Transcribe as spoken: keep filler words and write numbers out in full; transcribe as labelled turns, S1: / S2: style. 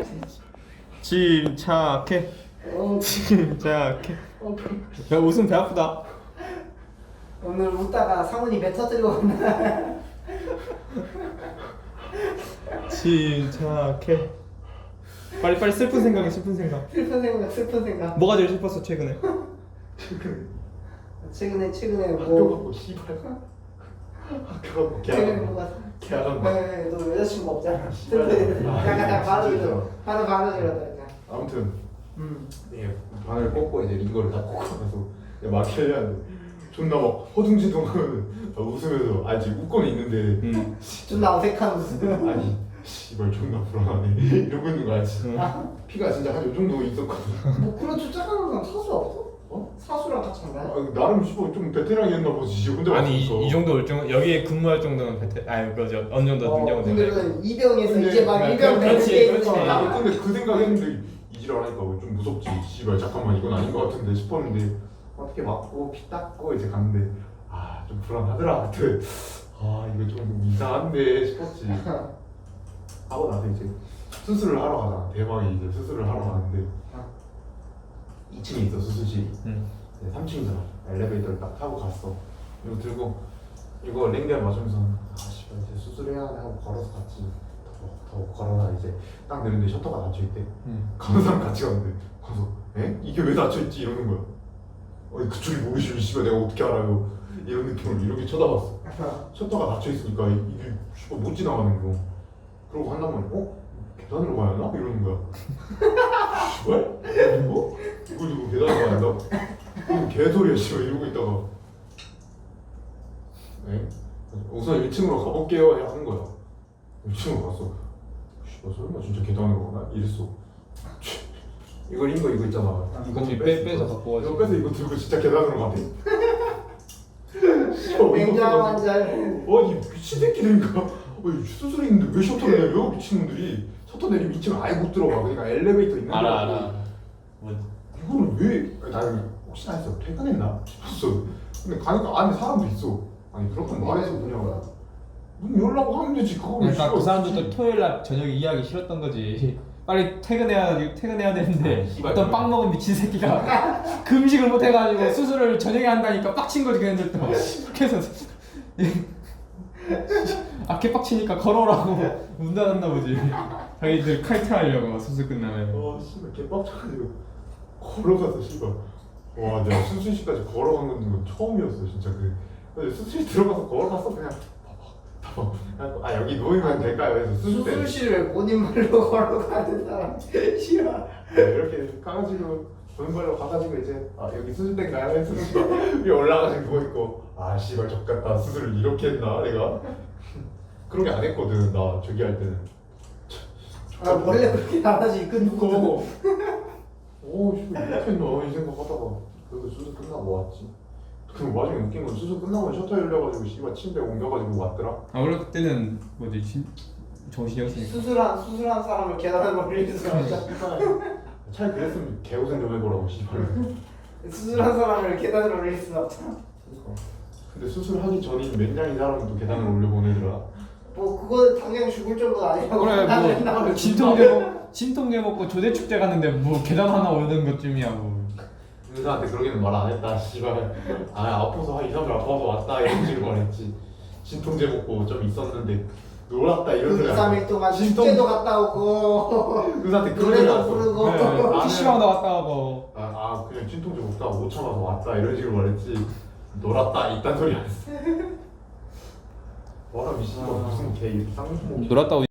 S1: 침착해.
S2: 어,
S1: 침착해.
S2: 어,
S1: 야 웃음 배 아프다.
S2: 오늘 웃다가 상훈이 배 터뜨리고 온다.
S1: 침착해. 빨리 빨리 슬픈 생각해. 슬픈 생각.
S2: 슬픈 생각, 슬픈 생각.
S1: 뭐가 제일 슬펐어 최근에?
S2: 최근에 최근에
S3: 학교
S2: 뭐
S3: 가고 씨발 학교 가고
S2: 최근에
S3: 계약
S2: 뭐가
S3: 계약한 거.
S2: 네, 너 여자친구 없잖아.
S3: 씨발.
S2: 슬픈
S3: 아,
S2: 약간 딱 바로
S3: 진짜.
S2: 이러 바로 바로 이러다니까.
S3: 아무튼
S2: 음.
S3: 예, 바늘 꽂고 이제 이거를 다 꽂고 나서 막 하려는데 존나 막 허둥지둥하면 웃으면서 아직 웃고는 있는데
S1: 응.
S2: 존나 어색한 웃음.
S3: 아니 씨발 존나 불안하네 이러고 있는 거 알지?
S1: 응.
S3: 피가 진짜 한 요 정도 있었거든.
S2: 뭐 그런 쫓아가는 건 사수 없어?
S3: 어?
S2: 사수랑 같이 한 거야?
S3: 아, 나름 씨발 좀 베테랑이었나 보지. 지 혼자
S1: 아니
S3: 왔으니까.
S1: 이, 이 정도 열정 여기에 근무할 정도는 베테 아니 그죠 어느 정도
S2: 어,
S1: 능력은
S2: 근데
S1: 되네.
S2: 그 이병에서
S3: 근데
S2: 이제 막
S1: 그냥
S2: 이병 되는
S1: 그렇지,
S2: 게
S1: 그렇지.
S2: 있는
S3: 아,
S2: 거야.
S3: 근데 그 생각했는데 이지랄 하니까 좀 무섭지. 씨발 잠깐만 이건 아닌 것 같은데 싶었는데 어떻게 맞고 피 닦고 이제 갔는데 아 좀 불안하더라. 그때 아 이거 좀 이상한데 싶었지. 하고 나서 이제 수술을 하러 가잖아. 대박이 이제 수술을 하러 가는데 이 층에 있어 수술실이.
S1: 응.
S3: 삼 층이잖아. 엘리베이터를 딱 타고 갔어. 이거 들고 이거 랭겔 맞으면서 아 씨발 이제 수술해야 하네 하고 걸어서 갔지. 더, 더 걸어라 이제 딱 내렸는데 셔터가 닫혀있대.
S1: 응.
S3: 가는 사람 같이 갔는데 가서 에? 이게 왜 닫혀있지? 이러는 거야. 아니 그쪽이 모르시면 씨발 내가 어떻게 알아요? 이런 느낌으로 이렇게 쳐다봤어. 셔터가 닫혀있으니까 이게 씨발 못 지나가는 거. 그러고 한다면 어? 계단으로 가야 하나? 이러는 거야. 씨발? 이거? 이걸 두고 계단으로 가야 한다고? 그럼 개소리야 씨발 이러고 있다가 에? 우선 일 층으로 가볼게요 하는 거야. 일 층으로 갔어. 씨발 설마 진짜 계단으로 가나? 이랬어. 이거 이거 이거 있잖아.
S1: 이거 뒤 빼- 빼서 갖고 와야지.
S3: 이거 빼서 이거 들고 진짜 계단으로 가대.
S2: 굉장한 잘.
S3: 아니 미친 새끼들인가? 아니 수술이 있는데 왜 셔터 내려? 미친놈들이 셔터 내리면 이 층 아예 못 들어가. 그러니까 엘리베이터 있는
S1: 알아
S3: 데라고.
S1: 알아. 뭐
S3: 이거는 왜? 아니, 나는 혹시나 했어. 퇴근했나 싶었어. 근데 가니까 안에 사람도 있어. 아니 그렇게 말해서 그냥 문 열라고 하면 되지. 그거를
S1: 그러니까
S3: 씨발
S1: 그 사람들도 토요일 날 저녁에 이해하기 싫었던 거지. 빨리 퇴근해야 퇴근해야 되는데
S3: 씨발,
S1: 어떤
S3: 그래.
S1: 빵 먹은 미친 새끼가 금식을 못 해가지고 수술을 저녁에 한다니까 빡친 거지 걔네들 또. 그래서 아 개빡치니까 걸어라고 문 닫았나 보지. 자기들 칼퇴하려고 수술 끝나면.
S3: 어 씨발 개빡쳐가지고 걸어가서 씨발 와 내가 수술실까지 걸어간 건 처음이었어 진짜. 그 근데 수술실 들어가서 걸어갔어 그냥 봐봐 봐봐 아 여기 누우면 될까요? 해서 수술 때
S2: 수술실을 본인 말로 걸어가는 사람 싫어.
S3: 네, 이렇게 가가지고 보는 걸로 가가지고 이제 아 여기 수술대인가요? 해서 위에 올라가지고 누워있고 아 씨발 족같다 수술을 이렇게 했나 내가 그런 게 안 했거든 나 저기 할 때는.
S2: 아 원래 그렇게 안 하지. 그 누구?
S3: 그거 오 씨발 이렇게 했나 이 생각하다가 그래도 수술 끝나고 왔지. 그 와중에 웃긴 건 수술 끝나고 셔터 열려가지고 씨발 침대 옮겨가지고 왔더라.
S1: 아 원래 그때는 뭐지 진 정신이 없으니까.
S2: 수술한 수술한 사람을 계단으로 올릴 수 없잖아.
S3: 차라리 그랬으면 개고생 좀 해보라고 씨발.
S2: 수술한 사람을 계단으로 올릴 수 없잖아.
S3: 그러니까. 근데 수술하기 전인 맨장인 사람도 계단을 올려보내더라.
S2: 뭐 그거는 당장 죽을 정도는 아니라고.
S1: 그래
S2: 계단을
S1: 뭐
S2: 나오면
S1: 진통제 먹 진통제 먹고 조대 축제 갔는데 뭐 계단 하나 오르는 것쯤이야 뭐.
S3: 의사한테 그러기는 말 안 했다 씨발. 아 아파서 한 이, 삼 일 아파서 왔다 이런 식으로 말했지. 진통제 먹고 좀 있었는데 놀았다 이런
S2: 그
S3: 소리
S2: 이,
S3: 안
S2: 삼 일
S3: 했어.
S2: 동안
S3: 진통-
S2: 축제도 갔다 오고
S3: 의사한테 그런 소리
S2: 노래도
S3: 안 했어.
S2: 부르고.
S1: 네, 피시방 나갔다 오고.
S3: 아, 아 그냥 진통제 먹다가 못 참아서 왔다 이런 식으로 말했지. 놀았다 이딴 소리 안 했어. 와라 미친놈 무슨 개 쌍욕
S1: 놀았다 오.